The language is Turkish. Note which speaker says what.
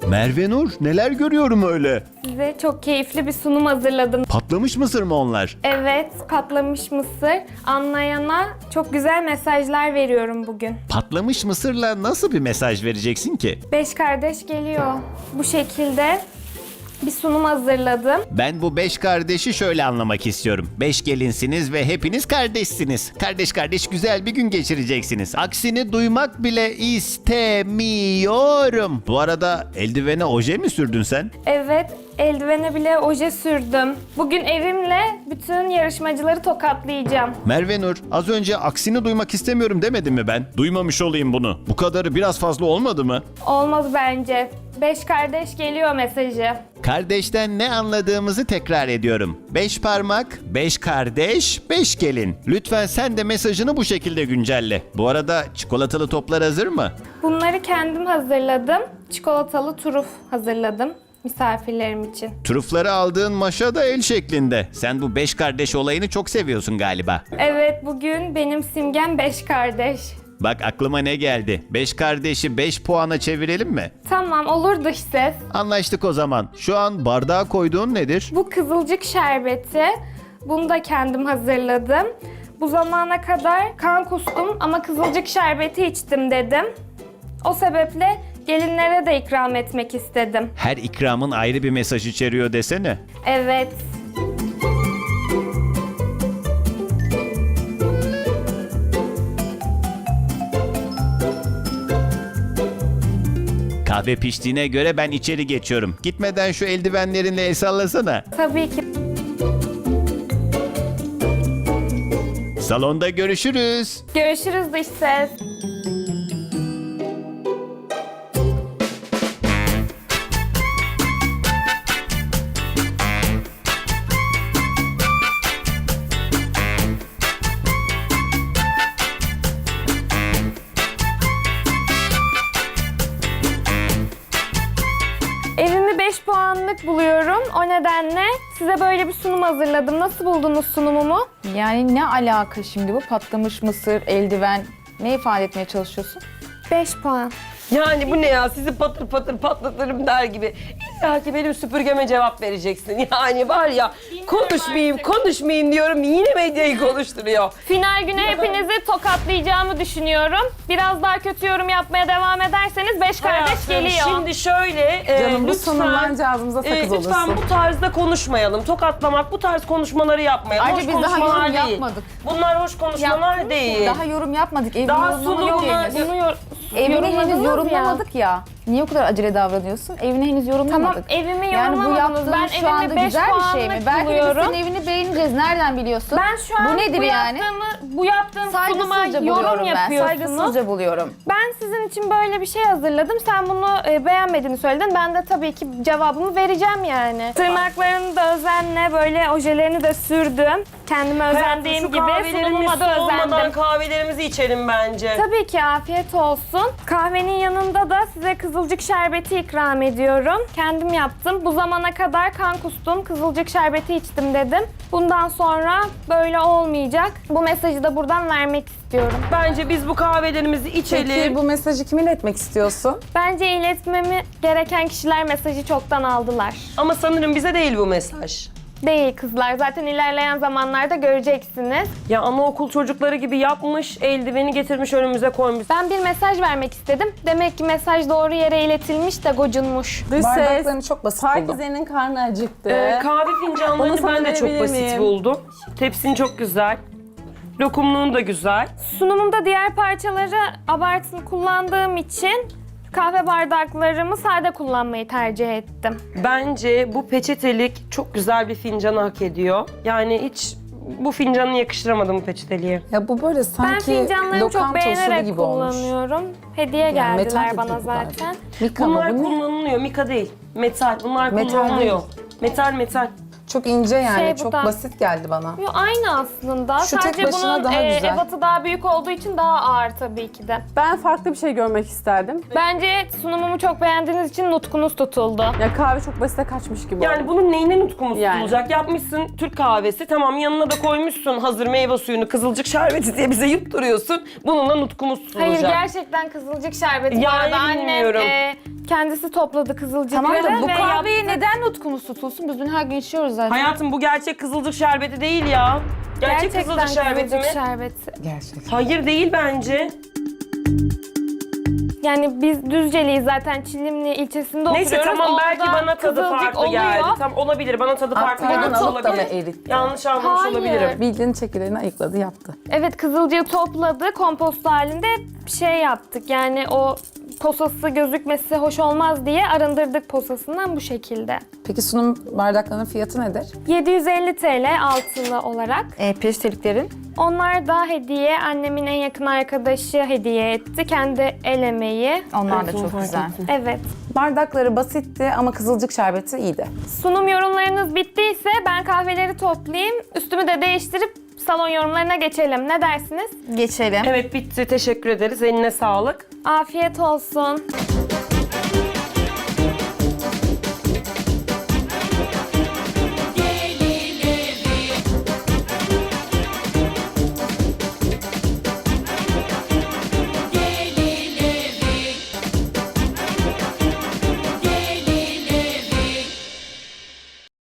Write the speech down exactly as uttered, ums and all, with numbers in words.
Speaker 1: Merve Nur, neler görüyorum öyle?
Speaker 2: Size çok keyifli bir sunum hazırladım.
Speaker 1: Patlamış mısır mı onlar?
Speaker 2: Evet, patlamış mısır. Anlayana çok güzel mesajlar veriyorum bugün.
Speaker 1: Patlamış mısırla nasıl bir mesaj vereceksin ki?
Speaker 2: Beş kardeş geliyor. Bu şekilde bir sunum hazırladım.
Speaker 1: Ben bu beş kardeşi şöyle anlamak istiyorum. Beş gelinsiniz ve hepiniz kardeşsiniz. Kardeş kardeş güzel bir gün geçireceksiniz. Aksini duymak bile istemiyorum. Bu arada eldivene oje mi sürdün sen?
Speaker 2: Evet, eldivene bile oje sürdüm. Bugün evimle bütün yarışmacıları tokatlayacağım.
Speaker 1: Merve Nur, az önce aksini duymak istemiyorum demedim mi ben? Duymamış olayım bunu. Bu kadarı biraz fazla olmadı mı?
Speaker 2: Olmaz bence. Beş kardeş geliyor mesajı.
Speaker 1: Kardeşten ne anladığımızı tekrar ediyorum. Beş parmak, beş kardeş, beş gelin. Lütfen sen de mesajını bu şekilde güncelle. Bu arada çikolatalı toplar hazır mı?
Speaker 2: Bunları kendim hazırladım. Çikolatalı turuf hazırladım misafirlerim için.
Speaker 1: Trufları aldığın maşa da el şeklinde. Sen bu beş kardeş olayını çok seviyorsun galiba.
Speaker 2: Evet, bugün benim simgem beş kardeş.
Speaker 1: Bak aklıma ne geldi. Beş kardeşi beş puana çevirelim mi?
Speaker 2: Tamam, olur dış ses.
Speaker 1: Anlaştık o zaman. Şu an bardağa koyduğun nedir?
Speaker 2: Bu kızılcık şerbeti. Bunu da kendim hazırladım. Bu zamana kadar kan kustum ama kızılcık şerbeti içtim dedim. O sebeple gelinlere de ikram etmek istedim.
Speaker 1: Her ikramın ayrı bir mesaj içeriyor desene.
Speaker 2: Evet.
Speaker 1: Kahve piştiğine göre ben içeri geçiyorum. Gitmeden şu eldivenlerinle el sallasana.
Speaker 2: Tabii ki.
Speaker 1: Salonda görüşürüz.
Speaker 2: Görüşürüz dış ses. Evimi beş puanlık buluyorum. O nedenle size böyle bir sunum hazırladım. Nasıl buldunuz sunumumu?
Speaker 3: Yani ne alaka şimdi bu patlamış mısır, eldiven ne ifade etmeye çalışıyorsun?
Speaker 2: beş puan.
Speaker 4: Yani bu ne ya? Sizi patır patır patlatırım der gibi. İlla ki benim süpürgeme cevap vereceksin. Yani var ya konuşmayayım konuşmayayım diyorum yine medyayı konuşturuyor.
Speaker 2: Final günü hepinizi tokatlayacağımı düşünüyorum. Biraz daha kötü yorum yapmaya devam ederseniz beş kardeş
Speaker 4: Hayatım,
Speaker 2: geliyor.
Speaker 4: Şimdi şöyle e,
Speaker 3: Canım bu
Speaker 4: lütfen,
Speaker 3: sunumdan ağzımıza sakız
Speaker 4: e, lütfen
Speaker 3: olursun.
Speaker 4: bu tarzda konuşmayalım. Tokatlamak bu tarz konuşmaları yapmayalım.
Speaker 3: Ayrıca
Speaker 4: Hoş
Speaker 3: biz daha
Speaker 4: konuşmalar
Speaker 3: yorum
Speaker 4: değil.
Speaker 3: yapmadık.
Speaker 4: Bunlar hoş konuşmalar değil.
Speaker 3: Daha yorum yapmadık. Evini
Speaker 4: Daha
Speaker 3: yorumlama yok
Speaker 4: sunumuna-
Speaker 3: henüz.
Speaker 2: Bunu yor-
Speaker 3: Evini
Speaker 2: yorumladınız
Speaker 3: henüz
Speaker 2: ya.
Speaker 3: yorumlamadık ya. Niye o kadar acele davranıyorsun? Evini henüz yorumlamadık.
Speaker 2: Tamam, evimi
Speaker 3: Yani bu
Speaker 2: yorumlamadınız.
Speaker 3: yaptığın
Speaker 2: Ben
Speaker 3: şu
Speaker 2: evimi
Speaker 3: anda
Speaker 2: beş
Speaker 3: güzel bir şey mi?
Speaker 2: puanlık
Speaker 3: Belki de biz
Speaker 2: buluyorum.
Speaker 3: senin evini beğeneceğiz. Nereden biliyorsun?
Speaker 2: Ben şu an
Speaker 3: bu nedir
Speaker 2: bu
Speaker 3: yani?
Speaker 2: yaptığımı, bu yaptığım sunuma
Speaker 3: Saygısızca
Speaker 2: yorum
Speaker 3: buluyorum ben.
Speaker 2: yapıyorsunuz.
Speaker 3: Saygısızca buluyorum.
Speaker 2: Ben sizin için böyle bir şey hazırladım. Sen bunu e, beğenmediğini söyledin. Ben de tabii ki cevabımı vereceğim yani. Tırnaklarını da özenle, böyle ojelerini de sürdüm. Kendime özendiğim
Speaker 4: Şu
Speaker 2: gibi
Speaker 4: kahvelerimiz
Speaker 2: sunumuma da
Speaker 4: soğumadan
Speaker 2: özendim.
Speaker 4: kahvelerimizi içelim bence.
Speaker 2: Tabii ki afiyet olsun. Kahvenin yanında da size kızılcık şerbeti ikram ediyorum. Kendim yaptım. Bu zamana kadar kan kustum, kızılcık şerbeti içtim dedim. Bundan sonra böyle olmayacak. Bu mesajı da buradan vermek istiyorum.
Speaker 4: Bence biz bu kahvelerimizi içelim.
Speaker 5: Peki bu mesajı kime iletmek istiyorsun?
Speaker 2: Bence iletmemi gereken kişiler mesajı çoktan aldılar.
Speaker 4: Ama sanırım bize değil bu mesaj.
Speaker 2: Değil kızlar. Zaten ilerleyen zamanlarda göreceksiniz.
Speaker 4: Ya anaokul çocukları gibi yapmış, eldiveni getirmiş önümüze koymuş.
Speaker 2: Ben bir mesaj vermek istedim. Demek ki mesaj doğru yere iletilmiş de gocunmuş.
Speaker 5: Dış ses.
Speaker 3: Bardaklarını çok basit buldum.
Speaker 5: Herkesenin karnı acıktı.
Speaker 4: Ee, kahve
Speaker 5: Onu
Speaker 4: fincanlarını
Speaker 5: sana
Speaker 4: ben de çok
Speaker 5: verebilir
Speaker 4: basit
Speaker 5: miyim?
Speaker 4: buldum. Tepsin çok güzel. Lokumluğun da güzel.
Speaker 2: Sunumumda diğer parçaları abartılı kullandığım için kahve bardaklarımı sade kullanmayı tercih ettim.
Speaker 4: Bence bu peçetelik çok güzel bir fincanı hak ediyor. Yani hiç bu fincanı yakıştıramadım bu peçeteliğe.
Speaker 5: Ya bu böyle
Speaker 2: Ben
Speaker 5: sanki
Speaker 2: fincanlarımı çok
Speaker 5: lokanta usulü
Speaker 2: beğenerek
Speaker 5: gibi olmuş.
Speaker 2: kullanıyorum. Hediye
Speaker 5: Yani
Speaker 2: geldiler
Speaker 5: metal
Speaker 2: bana
Speaker 5: değil bunlar.
Speaker 2: zaten.
Speaker 5: Mika mı
Speaker 4: Bunlar
Speaker 5: bu ne?
Speaker 4: kullanılıyor, mika değil. Metal, bunlar
Speaker 5: Metal
Speaker 4: kullanılıyor.
Speaker 5: değil.
Speaker 4: Metal, metal.
Speaker 5: Çok ince yani.
Speaker 2: Şey, bu
Speaker 5: çok
Speaker 2: da-
Speaker 5: basit geldi bana.
Speaker 2: Yo, aynı aslında.
Speaker 5: Şu tek
Speaker 2: Sadece
Speaker 5: başına
Speaker 2: bunun
Speaker 5: daha
Speaker 2: e,
Speaker 5: güzel.
Speaker 2: ebatı daha büyük olduğu için daha ağır tabii ki de.
Speaker 6: Ben farklı bir şey görmek isterdim.
Speaker 2: Bence sunumumu çok beğendiğiniz için nutkunuz tutuldu.
Speaker 6: Ya kahve çok basite kaçmış gibi
Speaker 4: Yani
Speaker 6: oldu.
Speaker 4: bunun neyine nutkumuz
Speaker 6: Yani.
Speaker 4: tutulacak? Yapmışsın Türk kahvesi, tamam yanına da koymuşsun hazır meyve suyunu, kızılcık şerbeti diye bize yutturuyorsun. Bununla nutkumuz tutulacak.
Speaker 2: Hayır, gerçekten kızılcık şerbeti. Bu
Speaker 4: Yani
Speaker 2: arada annem
Speaker 4: bilmiyorum.
Speaker 2: e, kendisi topladı kızılcıkları
Speaker 3: Tamam da bu
Speaker 2: ve
Speaker 3: kahveyi
Speaker 2: yaptı.
Speaker 3: neden nutkumuz tutulsun? Biz dün her gün içiyoruz zaten.
Speaker 4: Hayatım bu gerçek kızılcık şerbeti değil ya. Gerçek
Speaker 2: Gerçekten
Speaker 4: kızılcık şerbeti mi?
Speaker 2: kızılcık şerbeti.
Speaker 5: Gerçekten.
Speaker 4: Hayır değil bence.
Speaker 2: Yani biz Düzceliyiz zaten, Çilimli ilçesinde
Speaker 4: Neyse
Speaker 2: oturuyoruz.
Speaker 4: tamam, belki
Speaker 2: Orada
Speaker 4: bana tadı
Speaker 2: kızılcık
Speaker 4: farklı
Speaker 2: oluyor.
Speaker 4: geldi. Tam olabilir, bana tadı farklı
Speaker 5: Hatta
Speaker 4: gelmiş
Speaker 5: alıp da mı
Speaker 4: olabilir.
Speaker 5: eritti?
Speaker 4: Yanlış anlamış
Speaker 2: Hayır.
Speaker 4: olabilirim.
Speaker 5: Bildiğin çekirdeğini ayıkladı, yaptı.
Speaker 2: Evet, kızılcığı topladı, kompost halinde şey yaptık. Yani o posası gözükmesi hoş olmaz diye arındırdık posasından bu şekilde.
Speaker 5: Peki sunum bardaklarının fiyatı nedir?
Speaker 2: yedi yüz elli T L altılı olarak.
Speaker 3: E, peçeteliklerin.
Speaker 2: Onlar da hediye, annemin en yakın arkadaşı hediye etti. Kendi el emeği.
Speaker 3: Onlar da çok güzel.
Speaker 2: Evet.
Speaker 5: Bardakları basitti ama kızılcık şerbeti iyiydi.
Speaker 2: Sunum yorumlarınız bittiyse ben kahveleri toplayayım. Üstümü de değiştirip salon yorumlarına geçelim. Ne dersiniz?
Speaker 3: Geçelim.
Speaker 4: Evet bitti, teşekkür ederiz. Eline sağlık.
Speaker 2: Afiyet olsun.